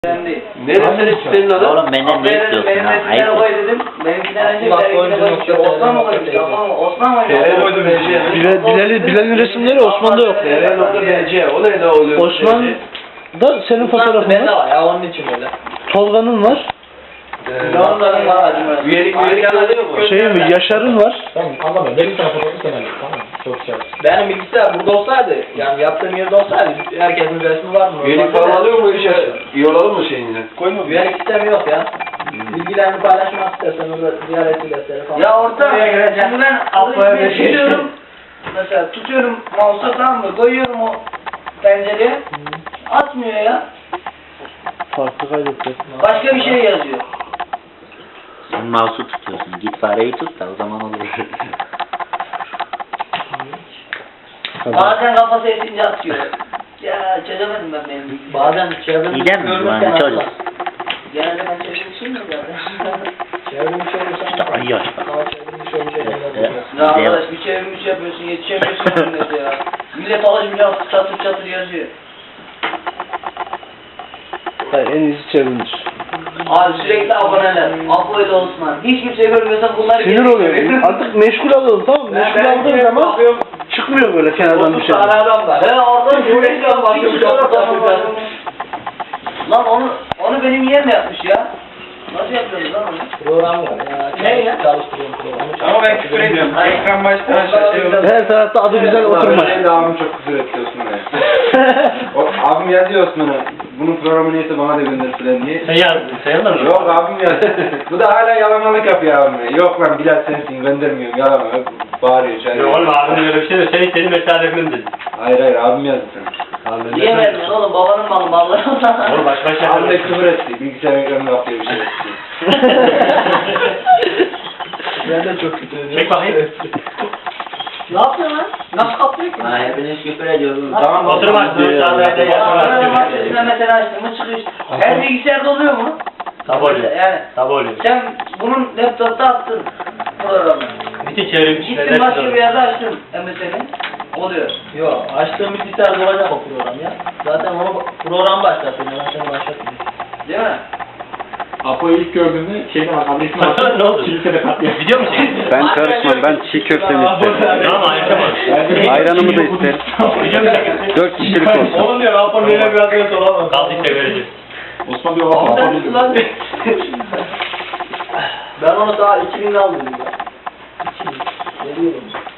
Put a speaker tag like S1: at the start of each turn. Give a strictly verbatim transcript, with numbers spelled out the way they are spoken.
S1: Neresi senin adın?
S2: Oğlum benden ne istiyorsun
S3: Benim
S2: ha?
S3: resimlere
S2: Ayıp.
S3: koy dedim. Benimkinden önce benimkine koy. Osman mı koymuş? Osman mı koymuş?
S4: Bilal, Bilal'in Bilal'in resimleri Osman'da yok.
S1: T R nokta B C o ne oluyor?
S4: Osman da senin fotoğrafın
S3: Bende
S4: var.
S3: var ya onun için öyle.
S4: Tolga'nın var.
S3: Onların var acımı.
S1: Üyelik üyelik alıyor mu?
S4: Şey mi? Yaşar'ın var.
S5: Tamam anlamıyorum. Benim tarafımı kenarlı. Tamam. Çok güzel.
S3: Benim bilgisayar burada olsaydı, yani yaptığım yerde olsaydı herkesin resmi var mı?
S1: Üyelik falan alıyor mu işe? İyi olalım mı şeyinle?
S3: Koyma. Üyelik sistemi yok ya. Bilgilerini paylaşmak istersen orada ziyaret iletleri falan.
S6: Ya orta, şimdi ben
S3: Apo'ya
S6: alıp
S3: bir şey
S6: tutuyorum, mesela tutuyorum mouse'a, tamam mı, koyuyorum o pencereye, atmıyor ya,
S4: Farklı kaydetti.
S6: başka bir şey yazıyor.
S2: Sen mouse'u tutuyorsun. Git fareyi tut da o zaman olur.
S6: Bazen kafası esince atıyor. Ya çözemedim ben benim bilgisayarı.
S3: Bazen çevremizi
S2: İyiden mi?
S3: görmekten
S2: Yani çocuk.
S3: atlar.
S6: Genelde ben çözümüşüm ya zaten.
S3: Çevrimiçi olursan
S2: İşte ay yaş.
S3: ama çevrimiçi olunca
S2: Evet.
S3: şeyler
S6: Ya arkadaş bir çevirmiş yapıyorsun, yetişemiyorsun millete ya. Millet alışmayacak, çatır çatır yazıyor.
S4: Hayır, en iyisi çevrimdir.
S6: Abi sürekli aboneler, Apo ile Osman. Hiç kimse görmüyorsan bunları
S4: Sinir oluyor. Artık meşgul alalım, tamam mı? Meşgul aldığın zaman çıkmıyor böyle kenardan bir şey.
S3: tane adam var.
S6: He oradan
S3: Sürekli
S6: sürekli
S3: bakıyorum,
S6: bakıyorum.
S3: çok tatlı.
S6: Lan onu onu benim yeğen de yapmış ya. Nasıl yapıyorsunuz lan onu?
S3: Program var ya.
S6: Ne ya?
S3: Çalıştırıyorum programı.
S5: Ama ben küfür ediyorum. Ekran baştan şey oluyor.
S4: Her tarafta adı güzel oturmaz.
S5: Benim de abim çok küfür ediyor Osman'a. O, abim yazıyor Osman'a. Bunun programı neyse bana da gönder filan diye.
S1: Sen yazdın, sen yazdın mı?
S5: Yok abim yazdı. Bu da hala yalamalık yapıyor abime. Yok lan Bilal sensin göndermiyorum yalama. Bağırıyor çağırıyor.
S1: Yok oğlum abinin öyle bir şey yok. Senin senin mesafelerinden dedi.
S5: Hayır hayır abim yazdı sen.
S6: Niye vermiyorsun oğlum? Babanın malı malları.
S1: Oğlum baş başa
S5: Abim de küfür etti. Bilgisayar ekranına yapıyor bir şey etti.
S3: Ben de çok kötü ediyorum.
S1: Çek bakayım.
S6: Ne yapıyorsun lan? Nasıl kaplıyor ki?
S3: Ha hepiniz küfür ediyorsunuz.
S5: Tamam
S1: Oturum açtın. Sağda
S6: Sen mesela açtın mı çıkıyor. Her bilgisayarda oluyor mu?
S1: Tabi oluyor.
S6: Yani
S1: Tabi oluyor.
S6: sen bunun laptopta attın programı.
S1: Bütün çevrim
S6: Gittin başka bir yerde açtın M S N'yi. Oluyor.
S3: Yok açtığım bilgisayarda olacak o program ya. Zaten onu program başlatıyor. Ben seni başlatmıyorum.
S6: Değil mi?
S5: Apo'yu ilk gördüğümde şeyden adresini
S1: Sana ne oldu?
S5: kilisede katliam.
S1: Video mu çektin?
S7: Ben karışmam. Ben çiğ köftemi isterim.
S1: Tamam ayıkamadım.
S7: Ayranımı da isterim.
S1: Video mu çektin?
S7: Dört kişilik olsun.
S5: Oğlum diyor Apo böyle bir adres olamaz.
S1: Kaldı işte vereceğiz.
S5: Osman diyor Apo Apo
S6: Sen lan.
S5: diyor.
S3: Ben onu daha iki binde aldım ya. iki bin. Veriyorum.